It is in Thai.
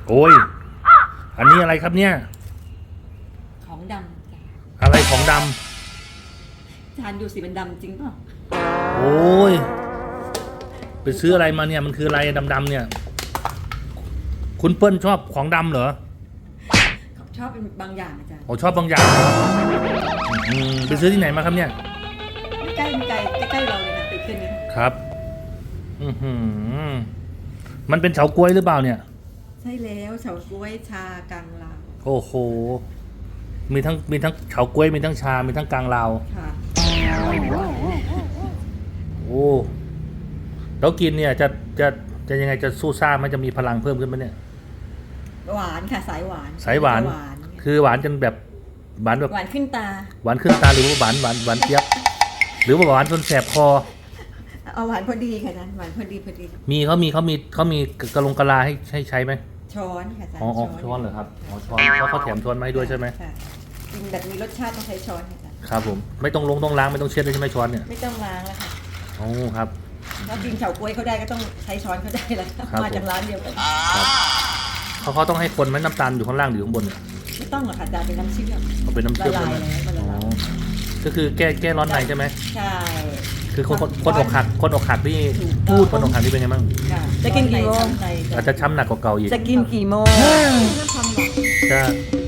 โอ้ยอันนี้อะไรครับเนี่ยของดำจ้ะอะไรของดจานดูสิมันดำจริงเปล่าำโอ้ยไปซื้ออะไรมาเนี่ยมันคืออะไรดำๆเนี่ยคุณเปิ้ลชอบของดำเหรอชอบเป็นบางอย่างอาจารย์ชอบบางอย่างไปซื้อที่ไหนมาครับเนี่ยใกล้ใกล้เราเลยค่ะติดขึ้นนี้ครับมันเป็นเฉาก๊วยหรือเปล่าเนี่ยใช่แล้วเฉาก๊วยชากลางลาวโอ้โหมีทั้งเฉาก๊วยมีทั้งชามีทั้งกลางลาวค่ะโอ้แล้วกินเนี่ยจะยังไงจะสู้ซ่ามันจะมีพลังเพิ่มขึ้นไหมเนี่ยหวานค่ะสายหวานคือหวานจนแบบหวานแบบหวานขึ้นตาหวานขึ้นตาหรือว่าหวานเจี๊ยบหรือว่าหวานจนแสบคอเอาหวานพอดีค่ะนะหวานพอดีเขามีกระลงกะลาให้ใช้ไหมช้อนค่ะอาจารย์ช้อนเหรอครับช้อนเพราะเขาแถมช้อนมาให้ด้วยใช่ไหมกินแบบมีรสชาติต้องใช้ช้อนค่ะครับผมไม่ต้องล้างไม่ต้องเช็ดเลยใช่ไหมช้อนเนี่ยไม่ต้องล้างแล้วค่ะโอ้ครับถ้ากินเฉาก๊วยเขาได้ก็ต้องใช้ช้อนเขาได้แล้วมาจากร้านเดียวกันเขาต้องให้คนไหมน้ำตาลอยู่ข้างล่างหรือข้างบนไม่ต้องหรอกค่ะอาจารย์เป็นน้ำเชื่อมเขาเป็นน้ำเชื่อมละลายแล้วก็คือแก้ร้อนในใช่ไหมใช่คือคนอกหักที่พูดคนอกหักที่เป็นไงบ้างจะกินกี่โมงอาจจะช้ำหนักกว่าเก่าอีกจะกินกี่โมงจะ